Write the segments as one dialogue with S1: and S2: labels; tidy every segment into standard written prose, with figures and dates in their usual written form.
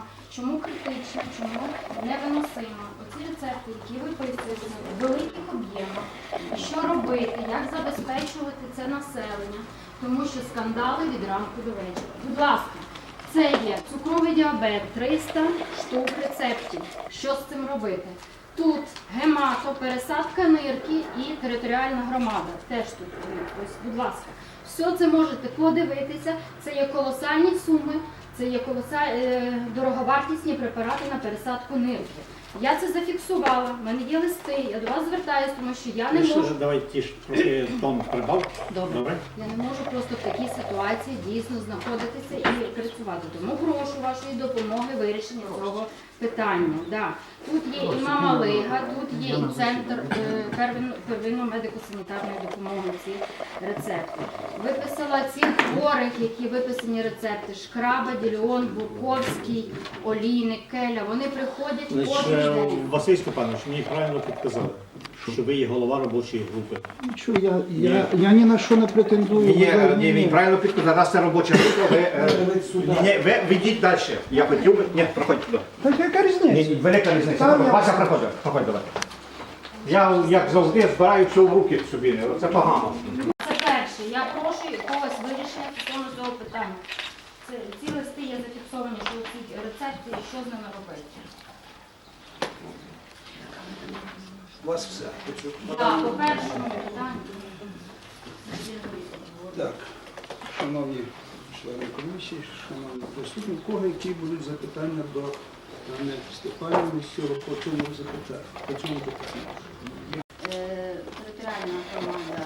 S1: проблема, чому критична, чому невиносима. Оці рецепти, які виписуються в великих об'ємах, що робити, як забезпечувати це населення, тому що скандали від ранку до вечора. Будь ласка, це є цукровий діабет, 300 штук рецептів. Що з цим робити? Тут гемато, пересадка нирки і територіальна громада. Теж тут, ось, будь ласка. Все це можете подивитися. Це є колосальні суми, це є дороговартісні препарати на пересадку нирки. Я це зафіксувала, в мене є листи, я до вас звертаюся, тому що я не можу...
S2: Давай трохи тон прибав.
S1: Добре. Я не можу просто в такій ситуації дійсно знаходитися і працювати. Тому прошу вашої допомоги вирішення цього питання. Да. Тут є і Мама Лига, тут є і центр первинної медико-санітарної допомоги, ці рецепти. Виписала цих хворих, які виписані рецепти: Шкраба, Діліон, Бурковський, Олійник, Келя. Вони приходять кожен день.
S2: Василь Степанович, мені правильно підказали, що ви є голова робочої групи.
S3: Нічого, я ні на що не претендую.
S4: Ні, він правильно підказав, раз це робоча група, ви йдіть далі. Я хотів би... Ні, проходьте туди.
S3: Так яка різниця?
S4: Велика різниця. Вася, проходь давай. Я, як завжди, збираю все в руки собі, це погано.
S1: Це перше. Я прошу якогось вирішення стосовно цього питання. Ці листи є зафіксовані, що ці рецепти і що з ними робити.
S3: У вас все.
S1: Так, по першому питанню.
S3: Так, шановні члени комісії, шановні присутні, у кого які будуть запитання до Анни Степанівни по цьому питанню?
S1: Територіальна громада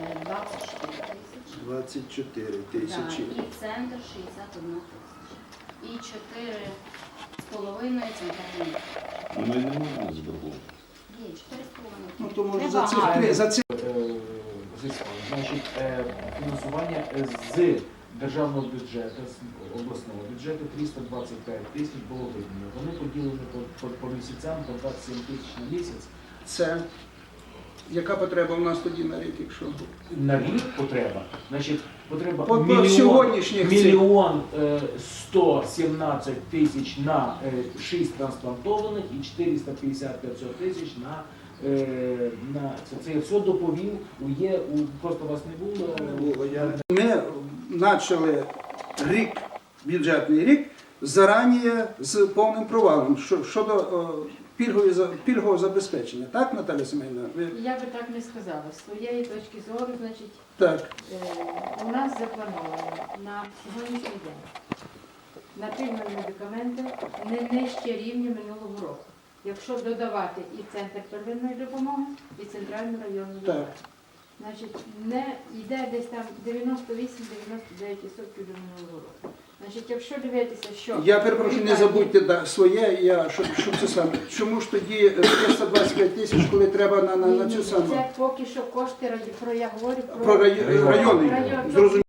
S1: 24
S3: 24
S1: тисячі.
S3: тисячі.
S1: І центр 61 тисяча. І 4,5 центральні.
S5: Ми не можемо зберегти.
S1: Є 4,5.
S3: Ну, то може
S1: Небагато.
S3: за ці
S6: Значить, фінансування з державного бюджету, з обласного бюджету 325 тисяч було виділено. Вони поділені по місяцям, по 27 тисяч на місяць.
S3: це. Яка потреба у нас тоді на рік, якщо?
S6: На рік потреба, значить, потреба
S3: По сьогоднішніх цих.
S6: 1 117 тисяч на 6 трансплантованих і 450-500 тисяч на це я все доповів, просто вас не було.
S3: Ми почали бюджетний рік зарані з повним провалом щодо пільгового забезпечення. Так, Наталя Семенівна?
S7: Я би так не сказала. З своєї точки зору, значить,
S3: Так.
S7: у нас заплановано на сьогоднішній день на пільгові медикаменти не нижче рівня минулого року. Якщо додавати і центр первинної допомоги, і центральну районну допомогу. Значить, не йде десь там 98-99% до минулого року. Значить, якщо дивитися, що...
S3: Я перепрошую, не забудьте своє, щоб це саме. Чому ж тоді 325 тисяч, коли треба на цю саму?
S7: Це поки що кошти, я говорю
S3: Про райони. Зрозуміло.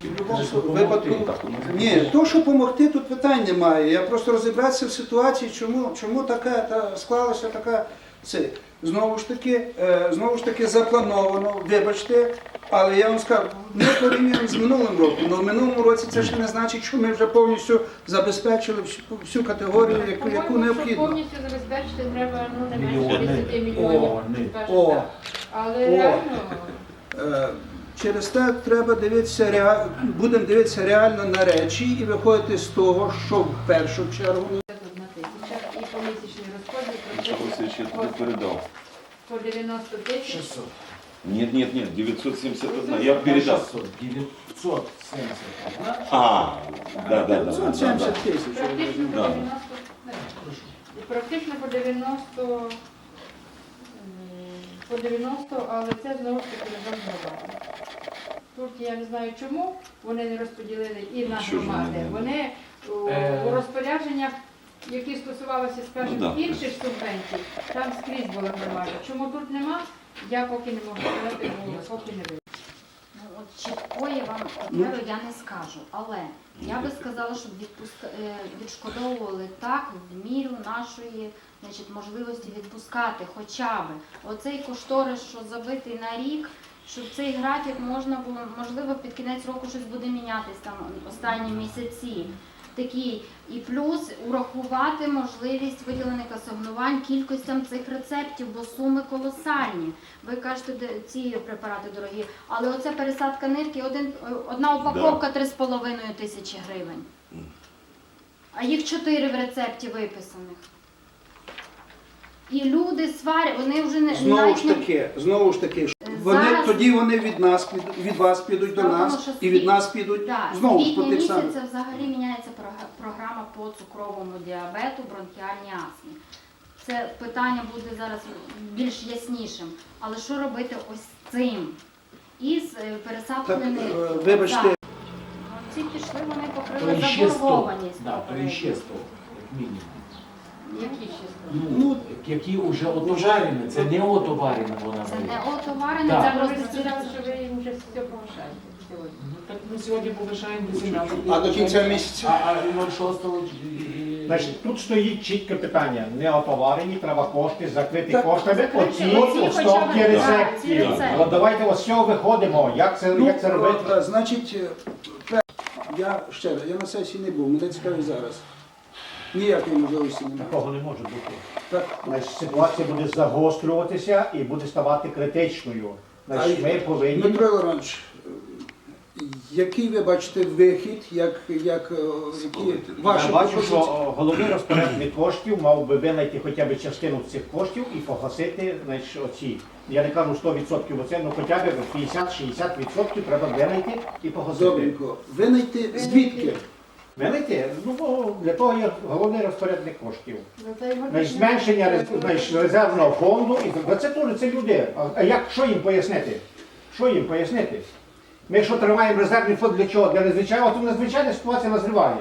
S3: Ні, то, що допомогти, тут питань немає. Я просто розібратися в ситуації, чому така склалася така... Знову ж таки заплановано, вибачте, але я вам скажу, не порівняно з минулим роком. Але в минулому році це ще не значить, що ми вже повністю забезпечили всю категорію, яку необхідно.
S7: Повністю забезпечити треба не менше 10 мільйонів, скажімо так. Але реально...
S3: Через те треба будемо дивитися реально на речі і виходити з того, що в першу чергу...
S7: І помісячний розподіл
S5: Ще тобі передав.
S7: по 90 тисяч.
S6: 600.
S5: Нет, 971. Я передав.
S6: 971.
S5: Да.
S3: 570 тисяч.
S7: Практично по
S5: Да.
S7: 90. Практично по 90, але це знову ж таки разом з громадами. Тут я не знаю чому вони не розподілили і на громади. Вони у розпорядженнях, які стосувалися, скажімо, інших субвенцій, там скрізь була громада. Чому тут нема, я поки не можу сказати, бо поки не вийду.
S1: От чіткої вам паперу я не скажу, але я би сказала, щоб відшкодовували так в міру нашої, значить, можливості відпускати хоча б оцей кошторис, що забитий на рік, щоб цей графік можна було, можливо, під кінець року щось буде мінятись там останні місяці. такий. І плюс урахувати можливість виділених асигнувань кількостям цих рецептів, бо суми колосальні. Ви кажете, ці препарати дорогі, але оце пересадка нирки, одна упаковка 3,5 тисячі гривень. А їх 4 в рецепті виписаних. І люди сварять, вони вже не
S3: Знову ж таки,
S1: Зараз-
S3: тоді вони від вас підуть до
S1: Справа в
S3: нас,
S1: тому, що
S3: і від нас підуть знову
S1: з
S3: ж по
S1: квітня
S3: тих самих.
S1: місяця взагалі міняється програма по цукровому діабету, бронхіальній астмі. Це питання буде зараз більш яснішим. Але що робити ось з цим? І з пересадкою
S3: Так,
S1: нирки.
S3: вибачте.
S1: Так. Ці пішли, вони
S6: То
S1: покрили
S6: іще 100.
S1: заборгованість.
S6: Да, то
S1: попередню.
S6: іще 100, як мінімум.
S7: Які ще
S6: Ну, які вже отоварені, це не отоварена вона
S1: Це
S6: буде.
S1: не отоварене,
S6: Так.
S1: це
S7: Ви
S1: просто
S7: сказали, що ви їм вже все повишаєте сьогодні.
S6: Ну, так ми сьогодні повишаємо до 17.
S3: А до кінця місяця?
S6: А 06-го...
S4: Значить, тут стоїть чітке питання. Не отоварені, треба кошти, закрити
S3: Так.
S4: коштами оці
S1: Оці
S4: стопки
S1: хоча б, так, ці
S4: рецептів.
S1: рецепти.
S4: От давайте ось з цього виходимо. Як це робити?
S3: Значить, я ще раз, я на сесії не був, мене цікавить зараз. Ніякої можливості немає.
S2: Такого не може бути.
S3: Так,
S4: Значить, ситуація буде загострюватися і буде ставати критичною. Значить, ми повинні.
S3: Дмитро Іванович, який ви бачите вихід, які ваші
S4: Я бачу, що
S3: пропозиції?
S4: головний розпорядник коштів мав би винайти хоча б частину цих коштів і погасити, значить, оці. Я не кажу 100%, бо це ну, хоча б 50-60% треба винайти і погасити.
S3: Добренько. Винайти звідки?
S4: Винайти? Ну, бо для того є головний розпорядник коштів.
S7: Ну, то його
S4: Значить,
S7: не
S4: зменшення
S7: треба.
S4: значить, резервного фонду, і це теж це люди. А як, що їм пояснити? Що їм пояснити? Ми якщо тримаємо резервний фонд для чого? Для незвичайного, то надзвичайна ситуація назріває.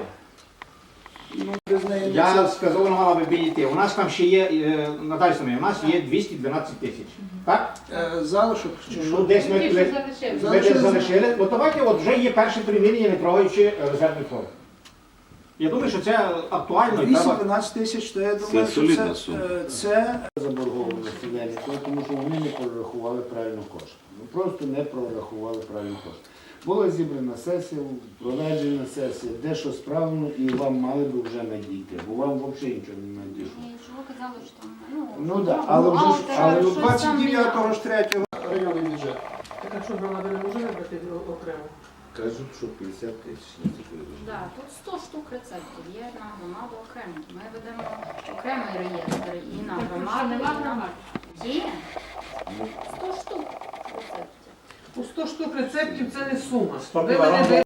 S3: Ну, без неї не
S4: Я
S3: це.
S4: сказав, вона мала би підійти. У нас там ще є, Наталя Семенівна, у нас є 212 тисяч. Так?
S3: Залишок чи
S4: Ну,
S3: що?
S4: десь
S7: Ті,
S4: ми
S7: що залишилися.
S4: десь залишили. От давайте от вже є перше примірення, не трогаючи резервний фонд. Я думаю, що це актуально і треба.
S3: 212 тисяч, то я думаю, що
S5: солідна сума.
S3: це
S8: Заборгованості виникло, тому що вони не прорахували правильно кошти. Ну просто не прорахували правильно кошти. Була зібрана сесія, проведена сесія, де що справлено, і вам мали би вже надійти, бо вам взагалі нічого не надійшло.
S1: І що ви казали, що там,
S8: Ну да, але вже ж-
S1: бухгалтери,
S8: але
S1: щось там
S3: 29-го ж 3-го районний бюджет.
S9: Так а що громада не може вибрати окремо?
S8: Кажуть, що 50 тисяч на таку
S1: Да, тут 100 штук рецептів є на громаду окремо. Ми ведемо окремий реєстр і на
S7: Так, що
S1: громаду,
S7: нема
S1: і на...
S7: громад?
S1: Є 100 штук рецептів.
S9: У 100 штук рецептів це не сума.
S4: 100
S9: Ви мене
S4: кілограм